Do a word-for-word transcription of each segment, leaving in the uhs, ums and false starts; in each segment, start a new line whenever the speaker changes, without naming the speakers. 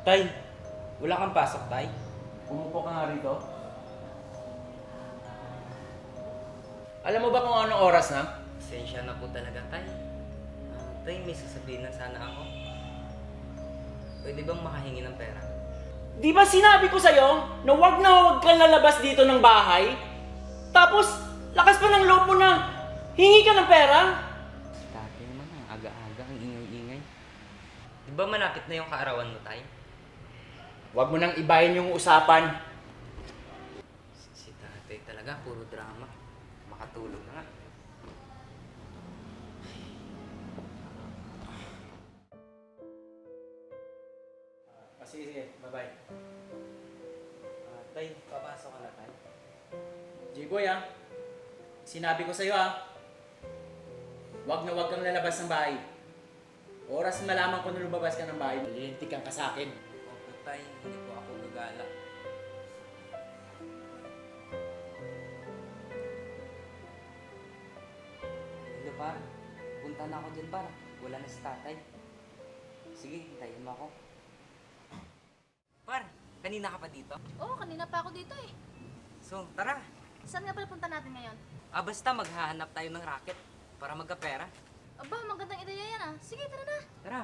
Tay, wala kang pasok, Tay?
Umupo ka nga rito.
Alam mo ba kung anong oras na?
Pasensya na po talaga, Tay. Ah, tay, may sasabihin na sana ako. Pwede bang makahingi ng pera?
Di ba sinabi ko sa'yo na wag na wag kang lalabas dito ng bahay? Tapos, lakas pa ng loob mo na hingi ka ng pera?
Dati naman, ang aga-aga, ang ingay-ingay. Di ba malapit na yung kaarawan mo, Tay?
Huwag mo nang ibahin yung usapan.
Si tatay talaga, puro drama. Makatulog na nga.
Ah, sige, sige. Bye-bye.
Ah, tay, papasok ka na, Tay.
J-Boy ah, sinabi ko sa'yo ah, wag na wag kang lalabas ng bahay. Oras malaman ko na lumabas ka ng bahay, malilintikan ka sa akin.
Opo, Tay, hindi po ako gagala. Hello, par. Punta na ako dyan, par. Wala na si tatay. Sige, hintayin mo ako. Par, kanina ka pa dito?
Oo, kanina pa ako dito eh.
So, tara.
Saan nga pala punta natin ngayon?
Ah, basta maghahanap tayo ng racket para magkapera.
Aba, magandang ideya yan ah. Sige, tara na.
Tara.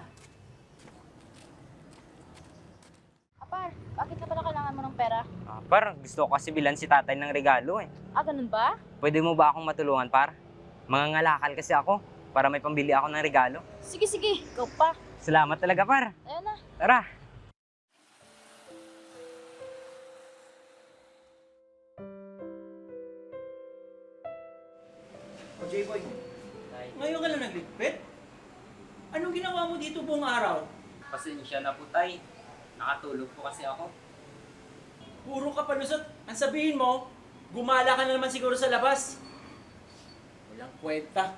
Apar, bakit ka pala kailangan mo ng pera?
Ah, par, gusto ko kasi bilan si tatay ng regalo eh.
Ah, ganun ba?
Pwede mo ba akong matulungan, par? Mangangalakal kasi ako para may pambili ako ng regalo.
Sige, sige. Go pa.
Salamat talaga, par.
Ayun na.
Tara.
O J-Boy,
Tay,
ngayon ka lang nagligpit? Anong ginawa mo dito buong araw?
pasensya na po, tay. Nakatulog po kasi ako.
Puro ka palusot. Ang sabihin mo, gumala ka na naman siguro sa labas. Walang kwenta.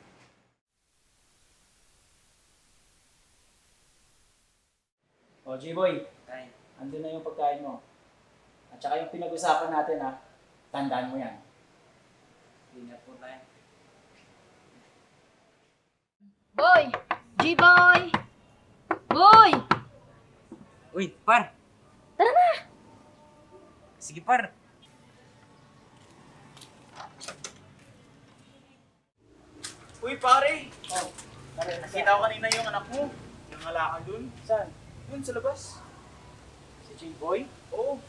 O J-Boy,
Tay,
andun na yung pagkain mo. At saka yung pinag-usapan natin ha, tandaan mo yan.
ingat po, tay.
Boy! G-Boy! Boy!
Uy, par.
Tara na!
Sige, par.
Uy pare,
Oh, tara,
nakita ko kanina yung anak mo. Yung alaka dun.
Saan?
Dun sa labas.
Si J-Boy?
Oo.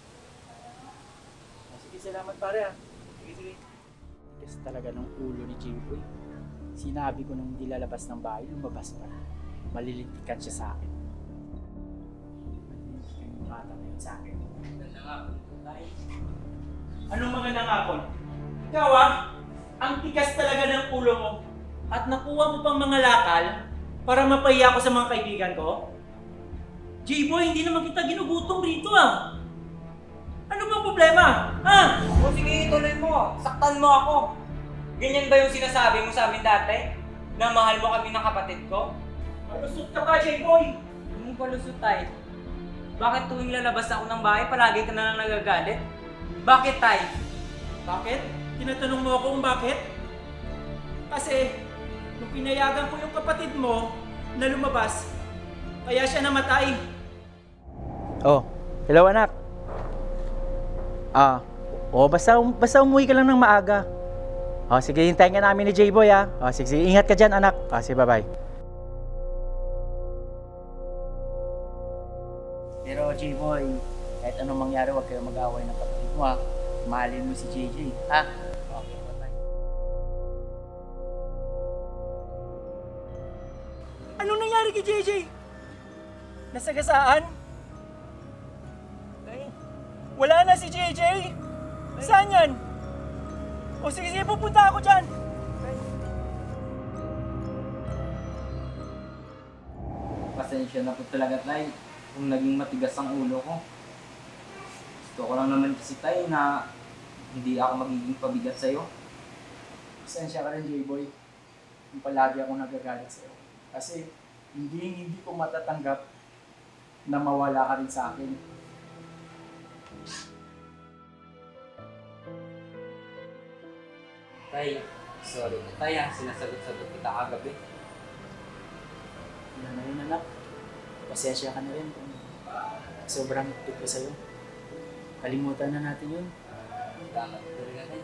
Oh, sige, salamat pare ha.
Sige, sige.
Tigas talaga ng ulo ni J-Boy. Sinabi ko nung hindi lalabas ng bahay, lumabas pa. Malilintikan siya sa akin. Malilintikan yung bata na yun sa akin.
Ganda nga po, tay.
Anong mga nangakon? Ikaw ah, ang tigas talaga ng ulo mo. At nakuha mo pang mga lakal para mapahiya ko sa mga kaibigan ko? J-Boy, hindi naman kita ginugutom rito ah. Ano bang problema? Ha?
O sige, ituloy mo. Saktan mo ako. Ganyan ba yung sinasabi mo sa amin dati? Na mahal mo kami ng kapatid ko?
Malusot ka pa, J-Boy!
Anong palusot, tay? Bakit tuwing lalabas ako ng bahay, palagi ka na lang nagagalit? Bakit, tay?
Bakit? Tinatanong mo ako kung bakit? Kasi, nung pinayagan ko yung kapatid mo na lumabas, kaya siya namatay.
Oh, hello anak. Ah, oh basta basta umuwi ka lang ng maaga. Oh, sige, hintayin ka namin ni J-Boy ah. Oh, sige, sige, ingat ka dyan anak. Oh, sige, bye-bye.
Pero J-Boy, kahit anong mangyari, huwag kayong mag-away ng kapatid mo ha. Mahalin mo si J J, ha? Okay, bye-bye. Anong nangyari kay J J? Nasagasaan? Wala na si J J? Saan yan? O sige, sige, pupunta ako dyan.
Pasensya na po talaga, tay. Kung naging matigas ang ulo ko. Gusto ko lang naman kasi, tay, na hindi ako magiging pabigat sa'yo.
Pasensya ka rin, J-Boy. Yung palagi ako nagagalit sa'yo. Kasi hindi hindi ko matatanggap na mawala ka rin sa akin.
Tay, sorry na, tay, ah. Sinasagot-sagot kita kagabi.
Yan na yun, anak. Pasensya ka na rin kung
sobrang higpit ko sa'yo. Kalimutan na natin yun.
Salamat talaga, tay.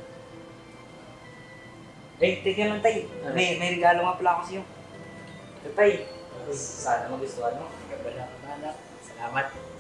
Eh, teka lang, tay. May, may regalo nga pala ako sa'yo. Ito, tay. Sana magustuhan mo.
Wala ka, anak. Salamat.